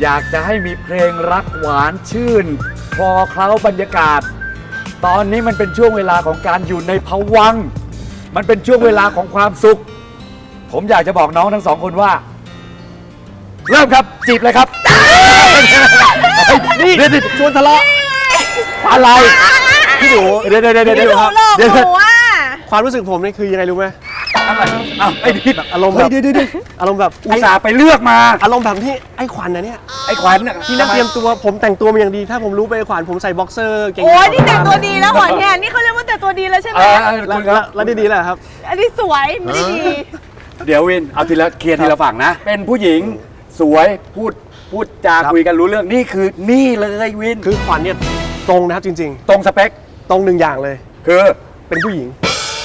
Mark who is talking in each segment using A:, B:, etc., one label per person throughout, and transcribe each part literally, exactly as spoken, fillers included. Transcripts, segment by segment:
A: อยากจะให้มีเพลงรักหวานชื่นคลอเคล้าบรรยากาศ ตอนนี้มันเป็นช่วงเวลาของการอยู่ในภวังค์มันเป็นช่วงเวลาของความสุข ผมอยากจะบอกน้องทั้งสองคนว่า เริ่มครับจีบเลยครับนี่ชวนทะเลาะอะไรพี่ดูเดี๋ยวเดี๋ยวเดี๋ยวเดี๋ยวครับเดี๋ยว
B: ความรู้สึกผมนี่คือยังไงรู้ไหม
A: อะไรอ้าวไอ้นี่แบบ
B: อารมณ์แบบอารมณ์แบบ
A: อุตส่าห์ไปเลือกมา
B: อารมณ์แบบที่ไอ้ขวัญนะเนี่ย
A: ไอ้ขวัญ
B: ที่นั่งเตรียมตัวผมแต่งตัวมาอย่างดีถ้าผมรู้ไปไอ้ขวัญผมใส่บ็อกเซอร์เก่ง
C: โอ้ยนี่แต่งตัวดีแล้วหอยแงนี่เขาเรียกว่าแต่งตัวดีแล้วใช่ไหม
B: แล้วแล้วดีๆแหละครับ
C: อันนี้สวยไม่ได้ดี
A: เดี๋ยววินเอาทีละเคลียร์ทีละฝั่งนะเป็นผู้หญิงสวยพูดพูดจาคุยกันรู้เรื่องนี่คือนี่เลยวิน
B: คือขวัญเนี่ยตรงนะครับจริง
A: ๆตรงสเปค
B: ตรงหนึ่งอย่างเลย
A: คือ
B: เป็นผู้หญิง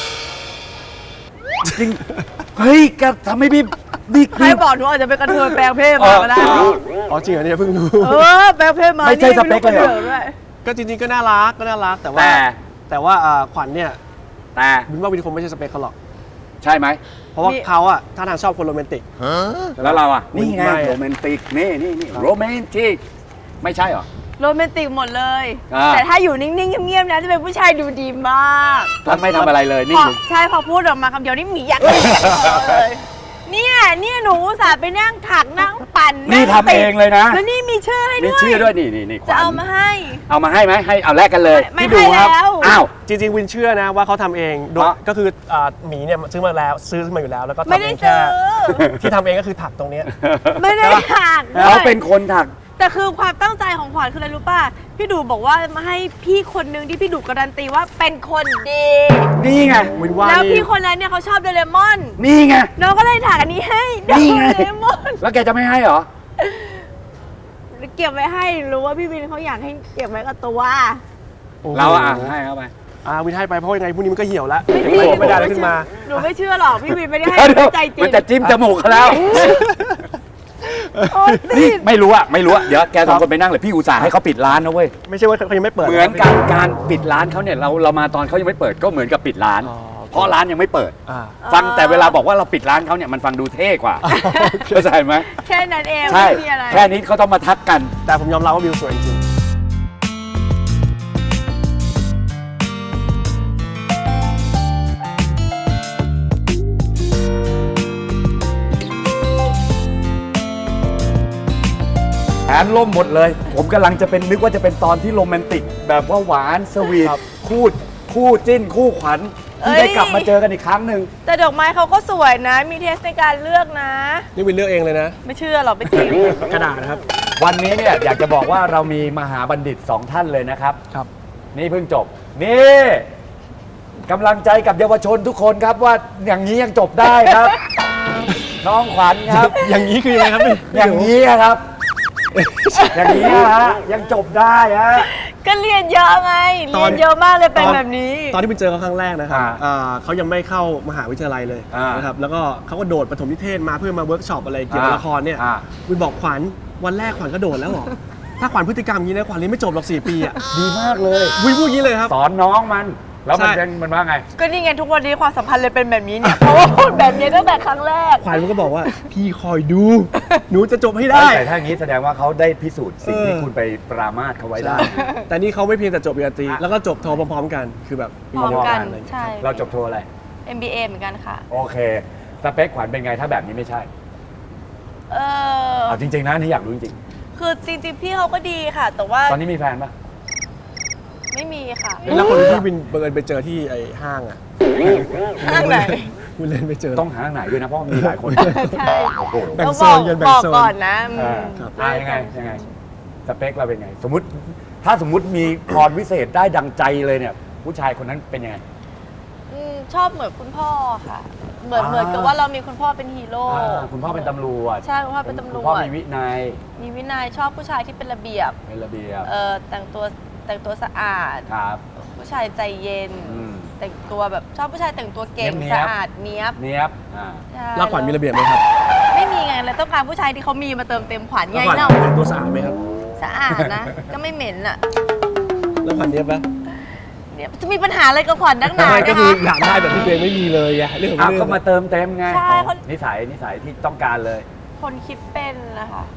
A: จริงเฮ้ยแกทำให้พี่นี่
C: ใครบอกหนูอาจจะเป็นกระเทยแปลงเพศมาก็ได้
B: อ๋อจริงเหรอเนี่ยเพิ่งรู้
C: เออแปลงเพศมา
A: ไม่ใช่สเปคเลย
B: ก็จริงๆก็น่ารักก็น่ารักแต่ว่าแต่ว่าขวัญเนี่ย
A: แต่
B: วินว่าวินคงไม่ใช่สเปคเขาหรอก
A: ใช่ไหม
B: เพราะว่าเขาอะท่าทางชอบคนโรแมนติก
A: แล้วเราอะนี่ไงโรแมนติกนี่นี่นี่โรแมนติกไม่ใช่หรอ
C: โรแมนติกหมดเลยแต่ถ้าอยู่นิ่งๆเงียบๆนะจะเป็นผู้ชายดูดีมาก
A: ท่านไม่ทำอะไรเลยนี่
C: ใช่พอพูดออกมาคำเดียวนี่หมีอยากเลยเนี่ยเนี่ยหนูอุตส่าห์ไปนั่งถักนั่งปั่น
A: นี่ทำเองเลยนะ
C: แล้วนี่มีชื่อให้ด้วย
A: มีชื่อด้วยนี่นี่นี่
C: จะเอามาให้
A: เอามาให้ไหมให้เอาแลกกันเลย
C: พี่ดูครับ
A: อ้าว
B: จริงๆวินเชื่อนะว่าเขาทำเองก็คือหมีเนี่ยซื้อมาแล้วซื้อมาอยู่แล้วแล้วก็ทำเองแค่ที่ทำเองก็คือถักตรงนี้
C: ไม่ได้ถัก
A: เขาเป็นคนถัก
C: แต่คือความตั้งใจของขวัญคืออะไรรู้ป่ะพี่ดูบอกว่ามาให้พี่คนนึงที่พี่ดูการันตีว่าเป็นคนดี
A: นี่ไง
C: แล้วพี่คนนั้นเนี่ยเขาชอบโดเรมอน
A: นี่ไง
C: น้องก็เลยถักอันนี้ให้โดเรมอน
A: แล้วแกจะไม่ให้เหรอ
C: เก็บไว้ให้รู้ว่าพี่วินเขาอยากให้เก็บไว้กับตัว
A: เราอ่ะให้เข้าไป
B: อ่าวินให้ไปเพราะยังไงพรุ่งนี้มันก็เหี่ยวแล้วไม่ได้ขึ้นมา
C: หนูไม่เชื่อหรอกพี่วินไม่ได้ให้ใจจริง
A: มันจะจิ้มจมูกเขาแล้วนี่ไม่รู้อะไม่รู้อะเดี๋ยวแกสองคนไปนั่งเลยพี่อุตส่าห์ให้เขาปิดร้านนะเว้ย
B: ไม่ใช่ว่าเขายังไม่เปิด
A: เหมือนการการปิดร้านเขาเนี่ยเราเรามาตอนเขายังไม่เปิดก็เหมือนกับปิดร้านเพราะร้านยังไม่เปิดฟังแต่เวลาบอกว่าเราปิดร้านเขาเนี่ยมันฟังดูเท่กว่าเข้าใจไหม
C: แค่นั้นเอง
A: ใช่แค่นี้เขาต้องมาทักกัน
B: แต่ผมยอมรับว่าวิวสวยจริง
A: แผนล่มหมดเลยผมกำลังจะเป็นนึกว่าจะเป็นตอนที่โรแมนติกแบบว่าหวานสวีทคู่คู่จิ้นคู่ขวัญที่ได้กลับมาเจอกันอีกครั้งหนึ่ง
C: แต่ดอกไม้เขาก็สวยนะมีเทสในการเลือกนะ
B: นี่วินเลือกเองเลยนะ
C: ไม่เชื่อหรอกไม่จริง
B: กระดาษนะครับ
A: วันนี้เนี่ยอยากจะบอกว่าเรามีมหาบัณฑิตสองท่านเลยนะครับ
B: ครับ
A: นี่เพิ่งจบนี่กำลังใจกับเยาวชนทุกคนครับว่าอย่างนี้ยังจบได้ครับน้องขวัญครับ
B: อย่างนี้คือยังไงครับ
A: อย่างนี้ครับอย่างนี้ฮะยังจบได้ฮะ
C: ก็เรียนเยอะไงเรียนเยอะมากเลยเป็นแบบนี้
B: ตอนที่ไปเจอเขาครั้งแรกนะครับเขายังไม่เข้ามหาวิทยาลัยเลยนะครับแล้วก็เขาก็โดดปฐมนิเทศมาเพื่อมาเวิร์กช็อปอะไรเกี่ยวกับละครเนี่ยวินบอกขวัญวันแรกขวัญก็โดดแล้วหรอถ้าขวัญพฤติกรรมนี้นะขวัญเรียนไม่จบหรอกสี่ปีอ่ะ
A: ดีมากเลย
B: วินพูดอย่างนี้เลยครับ
A: สอนน้องมันแล้วมันเป็นมันว่าไง
C: ก็นี่ไงทุกวันนี้ความสัมพันธ์เลยเป็นแบบนี้เนี่ยเพราะว่าพูดแบบนี้ตั้งแต่ครั้งแรก
B: ขวัญมันก็บอกว่าพี่คอยดูหนูจะจบให้ได้
A: แต่ถ้าอย่างนี้แสดงว่าเขาได้พิสูจน์สิ่งที่คุณไปปรามาสเขาไว้ได้
B: แต่นี่เขาไม่เพียงแต่จบปริญญาตรีแล้วก็จบโทพร้อมๆกันคือแบบ
C: พร้อมกันใช่
A: เราจบโทอะไร
C: เอ็ม บี เอ เหมือนกันค่ะ
A: โอเคสเปคขวัญเป็นไงถ้าแบบนี้ไม่ใช่
C: เออ
A: เอาจริงๆนะนี่อยากรู้จริง
C: ๆคือจริงๆพี่เขาก็ดีค่ะแต่ว่า
A: ตอนนี้มีแฟนปะ
C: ไม่มีค่ะ
B: แล้วคนที่วินเบิร์นไปเจอที่ไอ้ห้างอ่ะ
C: ห้างไหน
B: วินเล่นไปเจอ
A: ต้องหาไหนด้วยนะเพราะมีหลายคน
C: ใช่
B: แบ่งโซนกันแบ่งโซน
C: ก่อนนะ
A: อ่ายังไงยังไงสเปคเราเป็นไงสมมติถ้าสมมติมีพรวิเศษได้ดังใจเลยเนี่ยผู้ชายคนนั้นเป็นยังไง
C: ชอบเหมือนคุณพ่อค่ะเหมือนเหมือนกับว่าเรามีคุณพ่อเป็นฮีโร่
A: คุณพ่อเป็นตำรวจ
C: ใช่คุณพ่อเป็นตำรวจ
A: คุณพ่อมีวินัย
C: มีวินัยชอบผู้ชายที่เป็นระเบียบ
A: เป็นระเบียบ
C: เออแต่งตัวแต่งตัวสะอาด
A: ครับ
C: ผู้ชายใจเย็นแต่งตัวแบบชอบผู้ชายแต่งตัวเก่งสะอาดเนี้ยบ
A: เนี้ยบ
B: แล้วขวัญมีระเบียบไหมครับ
C: ไม่มีไงเลยต้องการผู้ชายที่เขามีมาเติมเต็มขวัญไง
B: เนาะแต่งตัวสะอาดไหมครับ
C: สะอาดนะก็ไม่เหม็นอ่ะ
B: แล้วขวัญเนี้ยบปะ
C: เนี่ยจะมีปัญหาอะไรกับขวัญนักหนา
B: ก็คืออยากได้แบบที่ตัวเองไม่มีเลยไงเรื่องของ
A: เรื่องก็มาเติมเต็มไง
C: ใช่
A: นิสัยนิสัยที่ต้องการเลย
C: คนคิดเป็นนะคะ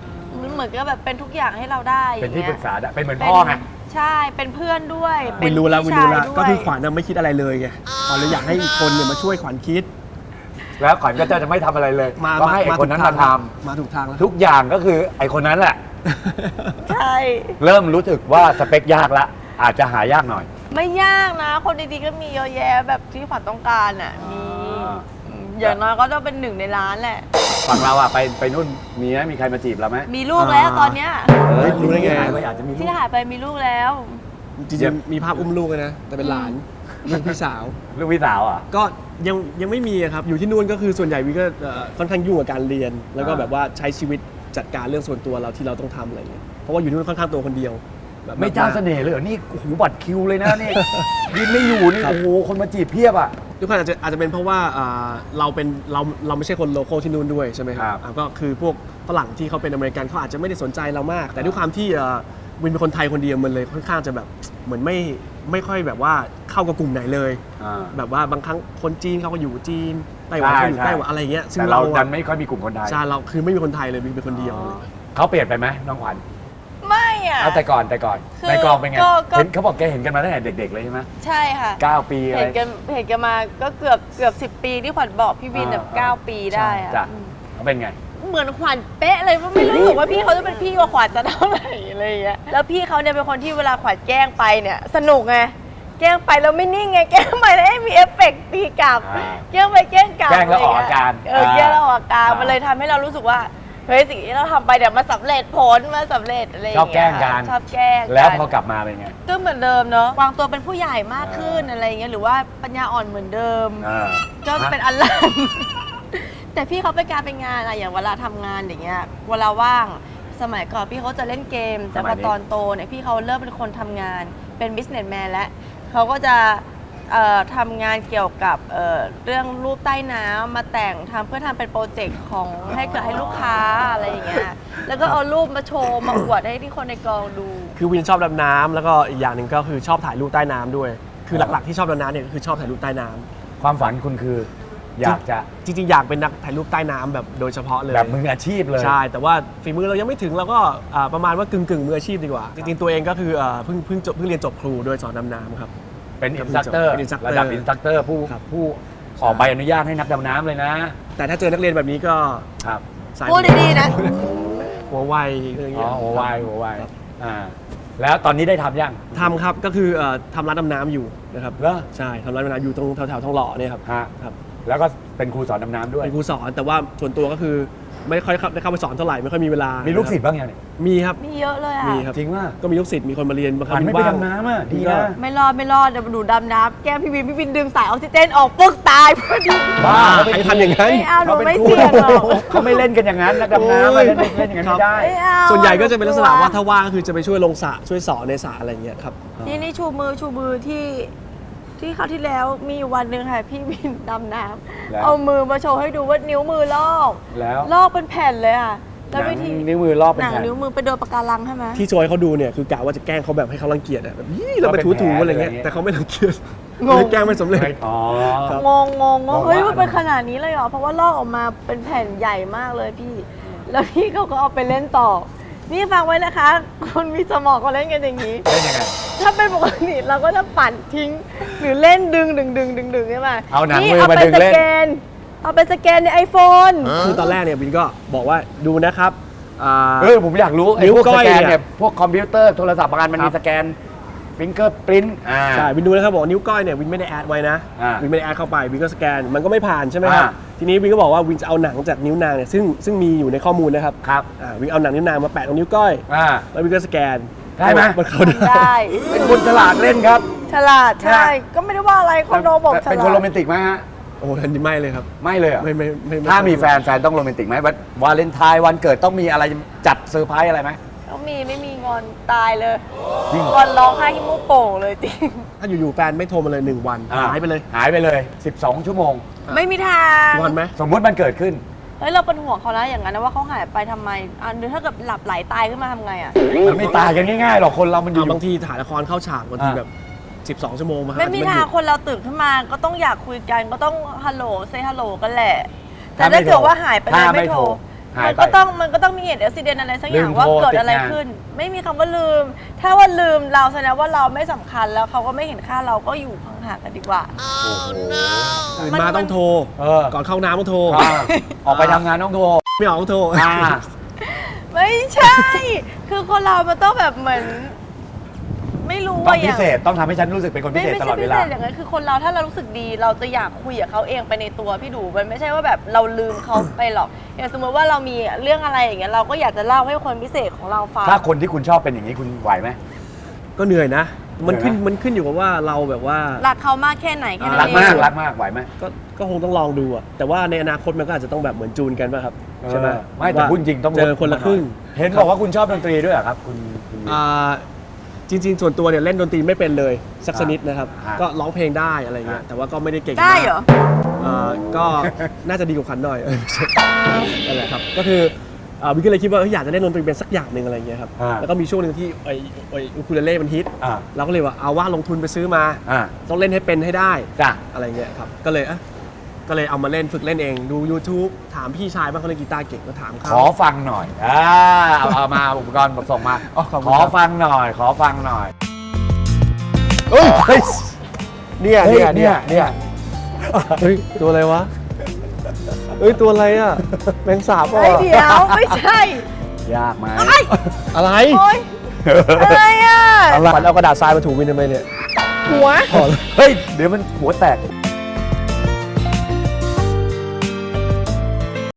C: เหมือนกับแบบเป็นทุกอย่างให้เราได้
A: เป็นที่
C: อย่ง
A: ป
C: งี้
A: รึ
C: ย
A: กษาได้เป็นเหมือนพ่อไง
C: ใช่เป็นเพื่อนด้วย
B: วินรู้แล้ววินรู้แล้ว
C: พี่ชายด้วย
B: ก็คือขวัญน่ะไม่คิดอะไรเลยไงขวัญเลยอยากให้อีกคนเนี่ยมาช่วยขวัญคิด
A: แล้วขวัญก็จะไม่ทำอะไรเลย
B: มา
A: ก็ให้ไอ้คนนั้นมาทำ
B: มาถูกทางแล้ว
A: ทุกอย่างก็คือไอ้คนนั้นแหละ
C: ใช่
A: เริ่มรู้สึกว่าสเปคยากละอาจจะหายากหน่อย
C: ไม่ยากนะ คนดีๆก็มีเยอะแยะแบบที่ขวัญต้องการอ่ะมี
A: อ่า
C: อืมอย่างน้อยก็ต้องเป็นหนึ่งในล้านแหละ
A: ฝั่งเราอะไปไปนู่นมีไหมมีใครมาจีบเราไหม
C: มีลูกแล้วตอนเนี้ย
A: เออ
B: รู้ได้ไง
A: หายปอาจจะมีลู
C: ที่
A: ก
C: หายไปมีลูกแล้ว
B: จริงๆมีภาพอุ้มลูกเลยนะ แต่เป็นหลานลูกพี่สาว
A: ลูกพี่สาวอ่ะ
B: ก็ยังยังไม่มีอะครับ อยู่ที่นู่นก็คือส่วนใหญ่วิก็เอ่อค่อนข้างยุ่งกับการเรียน แล้วก็
A: อ่า
B: แบบว่าใช้ชีวิตจัดการเรื่องส่วนตัวเราที่เราต้องทำอะไรเงี้ยเพราะว่าอยู่ที่นู่นค่อนข้างตัวคนเดียวแบบ
A: ไม่เจ้าเสน่ห์เลยเหรอนี่โอ้โหบัตรคิวเลยนะนี่ ยินไม่อยู่นี่โอ้โหคนมาจีบเพียบอ่ะ
B: ทุกคนอาจจะอาจจะเป็นเพราะว่าอ่าเราเป็นเราเราไม่ใช่คนโลโก้ที่นู่นด้วยใช่ไหมค
A: ครั
B: รับบ อ่าก็คือพวกฝรั่งที่เขาเป็นอเมริกันเขาอาจจะไม่ได้สนใจเรามาก แต่ด้วยความที่อ่าวินเป็นคนไทยคนเดียวมันเลยค่อนข้างจะแบบเหมือนไม่ไม่ค่อยแบบว่าเข้ากับกลุ่มไหนเลย
A: อ่า
B: แบบว่าบางครั้งคนจีนเขาก็อยู่จีนไต้หวัน
A: ใช่
B: เขาอยู่
A: ใช่
B: ไต้หวันอะไรเงี้ยซึ่ง
A: แต่เรา
B: เรา
A: ดั
B: อะ
A: นไม่ค่อยมีกลุ่มคนไทย
B: ใช่เราคือไม่มีคนไทยเลยวินเป็นคนเดียว
A: อ๋อ
B: เลย
A: เขาเปลี่ยนไปไหมน้องขวัญ
C: ไม่อ่ะ
A: เอาแต่ก่อนแต่ก่อน
C: คือ
A: ในกองเป็นไง
C: ก็ก็
A: เห็นเขาบอกแกเห็นกันมาตั้งแต่เด็ก ๆ เลยใช่ไหม
C: ใช่ค่ะ
A: เก้าปีอะไร
C: เห็นกันเห็นกันมาก็เกือบเกือบสิบปีที่ขวัญบอกพี่วินแบบ
A: อ่า
C: เก้าปีได้อะ
A: จ้ะ
C: อืม
A: เขาเป็นไง
C: เหมือนขวัญเป๊ะเลยว่าไม่รู้สึกว่าพี่เขาจะเป็นพี่กว่าขวัญจะเท่าไหร่อะไรอย่างเงี้ยแล้วพี่เขาเนี่ยเป็นคนที่เวลาขวัญแกล้งไปเนี่ยสนุกไงแกล้งไปแล้วไม่นิ่งไงแกล้งไปแล้วให้มีเอฟเฟกต์ตีกลับ
A: อ่า
C: แกล้งไปแกล้งกลับ
A: แกล้งแล้วออกอาการ
C: เออแกล้งแล้วออกอาการ
A: อ่ามั
C: มันเลยทำให้เรารู้สึกว่าเฮ้ยสิ่งที่เราทำไปเนี่ยมันสำเร็จผลมันสำเร็จอะไรอย่าง
A: ชอบแกล้
C: เงี้
A: ง
C: ย
A: กัน
C: ชอบแกล้ง
A: แล้ว
C: กัน
A: พอกลับมาเป็นไง
C: ก็เหมือนเดิมเนาะวางตัวเป็นผู้ใหญ่มากขึ้น
A: อ่า
C: อะไรอย่างเงี้ยหรือว่าปัญญาอ่อนเหมือนเดิม
A: อ่า
C: ก็เป็นอันลัน แต่พี่เขาเป็นการเป็นงานอะอย่างเวลาทำงานอย่างเงี้ยเวลาว่างสมัยก่อนพี่เขาจะเล่นเกม แต่พอตอนโตเนี่ยพี่เขาเริ่มเป็นคนทำงานเป็น businessman แล้วเขาก็จะเอ่อทำงานเกี่ยวกับเอ่อเรื่องรูปใต้น้ำมาแต่งทำเพื่อทำเป็นโปรเจกต์ของให้เกิดให้ลูกค้าอะไรอย่างเงี้ยแล้วก็เอารูปมาโชว์มาอวดให้ที่คนในกองดู
B: คือวินชอบดำน้ำแล้วก็อีกอย่างหนึ่งก็คือชอบถ่ายรูปใต้น้ำด้วย คือหลักๆที่ชอบดำน้ำเนี่ยก็คือชอบถ่ายรูปใต้น้ำ
A: ความฝันคุณคือ อยากจะ
B: จริงๆ อยากเป็นนักถ่ายรูปใต้น้ำแบบโดยเฉพาะเลย
A: แบบมืออาชีพเลย
B: ใช่ แต่ว่าฝีมือเรายังไม่ถึงเราก็อ่าประมาณว่ากึ่งกึ่งๆมืออาชีพดีกว่า จริงๆ ตัวเองก็คืออ่าเพิ่งเพิ่งจบเพิ่งเรียนจบครูโดยสอนดำน้ำครับ
A: เป็นอินสตัคเตอร์
B: เป็น instructor
A: ระดับอินสตัคเตอร์ผู้
B: ครับ
A: ผู้ออกใบอนุญาตให้นักดำน้ำเลยนะ
B: แต่ถ้าเจอนักเรียนแบบนี้ก็
A: ครับ
B: สาย
C: พูดดีๆนะ
B: หัวไวอะไรอย่าง
A: อ๋
B: เงี้
A: อย หัววายหัววายอ่าแล้วตอนนี้ได้ทำยัง
B: ทำครับก็คือเอ่อทำร้านดำน้ำอยู่นะครับ
A: เหรอ
B: ใช่ทำร้านดำน้ำอยู่ตรงแถวๆทองหล่อเนี่ยครับ
A: ฮะ
B: ครับ
A: แล้วก็เป็นครูสอนดำน้ำด้วย
B: เป็นครูสอนแต่ว่าส่วนตัวก็คือไม่ค่อยเข้าได้เข้าไปสอนเท่าไหร่ไม่ค่อยมีเวลา
A: มี
B: มี
A: ลูกศิษย์บ้างยังเนี่ย
B: มีครับ
C: มีเยอะเลยอ่ะ
B: มีครับ
A: จริงว่า
B: ก็มีลูกศิษย์มีคนมาเรียนบางค
A: ขวั
B: รั้
A: ญ
B: ง
A: ไม่ไปดำน้ำอ่ะดีนะ
C: ไม่รอดไม่รอดเดี๋ยวดูดำน้ำแก้มพี่วินพี่วินดึงสายออกซิเจนออกปึ๊กตายพอดี
A: บ้า
B: ใครทำอย่างนั้น
C: ไม่เอาหนู
A: ป็
C: ไม่
A: ครู
C: เสี่ยงหรอก
A: เขาไม่เล่นกันอย่างนั้นนักดำน้ำอะเล่นเล่นอย่างนั้นไม่ได้
C: ไม่เอา
B: ส่วนใหญ่ก็จะเป็นลักษณะว่าถ้าว่างก็คือจะไปช่วยลงสระช่วยสอนในสระอะไรอย่างเงี้ยครับ
C: นี่นี่ชูมือชูมือที่ที่คราวที่แล้วมีอยู่วันหนึ่งค่ะพี่วินดำน้
A: แล้ว
C: ำเอามือมาโชว์ให้ดูว่านิ้วมือลอก
A: แล้ว
C: ลอกเป็นแผ่นเลยค่ะ
A: ห
C: แล้ว
A: นั
C: วิ
A: ง
C: ธี
A: นิ้วมือรอบเป็น
C: หนัง
A: แผ่น
C: นิ้วมือไปโดนปะการังใช่ไหม
B: ที่โชว์ให้เขาดูเนี่ยคือกะว่าจะแกล้งเขาแบบให้เขารังเกียจอะแบบยี่เราไป
A: เราเป็น
B: ถูๆ
A: แผล
B: อะไรเงี้ย
A: อะไรเงี้ย
B: แต่เขาไม่รังเกียจ
C: งง
B: เลยแกล้งไม่สำเร็จ
A: อ๋อ
B: ครับ
C: งงงงง
A: ง
C: ง
A: ง
C: เฮ้ย
A: ว่า
C: มันเป็นขนาดนี้เลยเหรอเพราะว่าลอกออกมาเป็นแผ่นใหญ่มากเลยพี่ แล้วพี่เขาก็เอาไปเล่นต่อ นี่ฟังไว้นะคะคนมีสมองก็เล่นกันอย่างนี้
A: เล่นยังไง
C: ถ้าเป็นปกติเราก็จะปั่นทิ้ง หรือเล่นดึงดึงดึงดึงดึงใช่ไหม
A: เอาหนัง
C: นี่
A: มือ
C: เอา
A: มา
C: ไป
A: ดึง
C: ส
A: เล่น
C: แกน เอาไปสแกนในไอโฟน
B: คือตอนแรกเนี่ยวินก็บอกว่าดูนะครับอ่า
A: เออผมอยากรู้ไอ้
B: นิ้ว
A: พวก
B: ก้
A: ส
B: อย
A: แกน
B: เนี่
A: เนี่ย ยพวกคอมพิวเตอร์โทรศัพท์บางอันมัน
B: ครั
A: มี
B: บ
A: สแกนฟิงเกอร์ปรินต์อ่า
B: ใช่วินดูนะครับบอกว่านิ้วก้อยเนี่ยวินไม่ได้แอดไว้นะ
A: อ่า
B: วินไม่ได้แอดเข้าไปวินก็สแกนมันก็ไม่ผ่านใช่ไหมครับ
A: อ่า
B: ทีนี้วินก็บอกว่าวินจะเอาหนังจากนิ้วนางเนี่ยซึ่งซึ่งมีอยู่ในข้อมูลนะครับ
A: ครับ
B: อ่าวินเอาหนังนิ้วนางมาแปะตรงนิ้วก้อย
A: อ่า
B: แล้ววินก็สแกน
A: ได้ไหม
B: มันเข้าได้
C: ได้
A: เป็นคนฉลาดเล่นครับ
C: ฉลาดใช่ ก็ไม่ได้ว่าอะไรคนโดบอกฉลาด
A: เป็นคนโรแมนติกไหมฮะ
B: โอ้ทันทีไม่เลยครับ
A: ไม่เลยเหรอ
B: ไม่ไม่ไม่ไ
A: ถ้ามีแฟนแฟนต้องโรแมนติกไหมวันวาเลนไทน์วันเกิดต้องมีอะไรจัดเซอร์ไพรส์อะไรไหม
C: ต้องมีไม่มีงอนตายเลย
A: จริงเหรอ
C: งอนร้องไห้ที่มุกโป่งเลยจริง
B: ถ้าอยู่ๆแฟนไม่โทรมาเลยหนึ่งวัน
A: อ่
B: หายไปเลย
A: หายไปเลยสิบสองชั่วโมง
C: ไม่มีทาง
B: งอนไหม
A: สมมุติมันเกิดขึ้น
C: เฮ้ยเราเป็นห่วงเขานะอย่างนั้นนะว่าเขาหายไปทำไมอ่ะหรือถ้าเกิดหลับไหลตายขึ้นมาทำไงอ่ะ
A: มันไม่ตายกันง่ายๆหรอกคนเรามันอยู่
B: อ่าบางทีถ่ายละครเข้าฉากบางที
A: อ่า
B: แบบสิบสอง ชั่วโมงมา
C: ไม่มี
B: ห
C: ทาง
B: ยุด
C: คนเราตื่นขึ้นมาก็ต้องอยากคุยกันก็ต้องฮัลโหลเซฮัลโหลกันแหละ แต่
A: ถ้าไม่
C: ถ้าเกิดว่าหายไปเลย
A: ถ้าไม่
C: ไม่โทร
A: โทรหาย
C: มัน
A: ไป
C: ก็ต้องมันก็ต้องมีเหตุอุบิเหตุอะไรสักอย่าง
A: ลืม
C: ว่า
A: โทร
C: เกิดอะไร
A: ติดงาน
C: ขึ้น ไม่มีคำว่าลืม ถ้าว่าลืมเราแสดงว่าเราไม่สำคัญแล้วเขาก็ไม่เห็นค่าเราก็อยู่ห่างๆกันดีกว่า
A: โอ้โห
B: ตื่น
C: มัน
B: มาต้องโทร
A: เออ
B: ก่อนเข้าน้ำต้องโทร
A: อ่าออกไปทำงานต้องโทร
B: ไม่ออกต้องโทร
A: อ่า
C: ไม่ใช่ คือคนเรามันต้องแบบเหมือน ไม่รู้
A: ต้อ
C: ว่าง อ
A: พิ
C: ย่าง
A: เศษต้องทำให้ฉันรู้สึกเป็นคนพิ
C: ไม่
A: เศษ
C: ไม่
A: ตล
C: ใช่
A: อดเว
C: พิ
A: ลา
C: เศษอย่างนั้นคือคนเราถ้าเรารู้สึกดีเราจะอยากคุยกับเขาเองไปในตัวพี่ดูมันไม่ใช่ว่าแบบเราลืมเขาไปหรอกอย่างสมมติว่าเรามีเรื่องอะไรอย่างเงี้ยเราก็อยากจะเล่าให้คนพิเศษของเราฟัง
A: ถ้าคนที่คุณชอบเป็นอย่างนี้คุณไหวไหม
B: ก็เหนื่อยนะ มันขึ้น
A: เหนื่อยนะ
B: มันขึ้นอยู่กับว่าเราแบบว่า
C: รักเขามากแค่ไหนแค่นั้น
A: รัก
C: เอง
A: มากรักมากไหวไหม
B: ก็ก็คงต้องลองดูอะแต่ว่าในอนาคตมันก็อาจจะต้องแบบเหมือนจูนกันป่ะครับใช่ไหม
A: เออไม่แต่
B: ว่า
A: พูดจริงต้อง
B: เจอคนละครึ่ง
A: เห็นบอกว่าคุณชอบดนตรีด้วยเหรอครับคุณคุณ
B: อ่าจริง ๆ ส่วนตัวเนี่ยเล่นดนตรีไม่เป็นเลยสักชนิดนะครับ
A: อ่า
B: ก็ร้องเพลงได้อะไรเงี้ย
A: อ่า
B: แต่ว่าก็ไม่ได้เก่ง
C: ได้
B: มาก
C: เหรอ
B: เอ่อก็น่าจะดีกว่าขันหน่อย นั่นแหละครับก็คืออ่าวิกก็เลยคิดว่าเอ้ยอยากจะเล่นดนตรีเป็นสักอย่างหนึ่งอะไรเงี้ยครับ
A: อ่า
B: แล้วก็มีช่วงหนึ่งที่ไอ้ไอ้อูคูเลเล่มันฮิต
A: อ่า
B: เราก็เลยว่าเอาว่าลงทุนไปซื้อมา
A: อ่า
B: ต้องเล่นให้เป็นให้ได้
A: จ้ะ
B: อะไรเงี้ยครับก็เลยอ่ะก็เลยเอามาเล่นฝึกเล่นเองดู YouTube ถามพี่ชายบ้างเขาเล่นกีตาร์เก่งก็ถาม
A: ข
B: เขา
A: อฟังหน่อยอ่าเอาเอามาอุปกรณ์ส่งมา
B: อ๋อขอบ
A: ข
B: คุณ
A: อ
B: ครับ
A: ฟังหน่อย ขอฟังหน่อย
B: เฮ้ย
A: เฮ้ย
B: เนี่ย
A: เฮ้ย
B: เนี่ย
A: เนี่ยเนี่ย
B: เฮ้ยตัวอะไรวะเฮ้ยตัวอะไรอ่ะแมงสาบอ่ะ
C: เฮ้ยเดี๋ยวไม่ใช่
A: ยากไหม
B: อะไร
C: โอ๊ยอะไรอ่ะ
B: อะไรเอากระดาษทรายมาถูมินทำไมเนี่ย
C: หัว
B: อ๋อ
A: เฮ้ย เดี๋ยวมันหัวแตก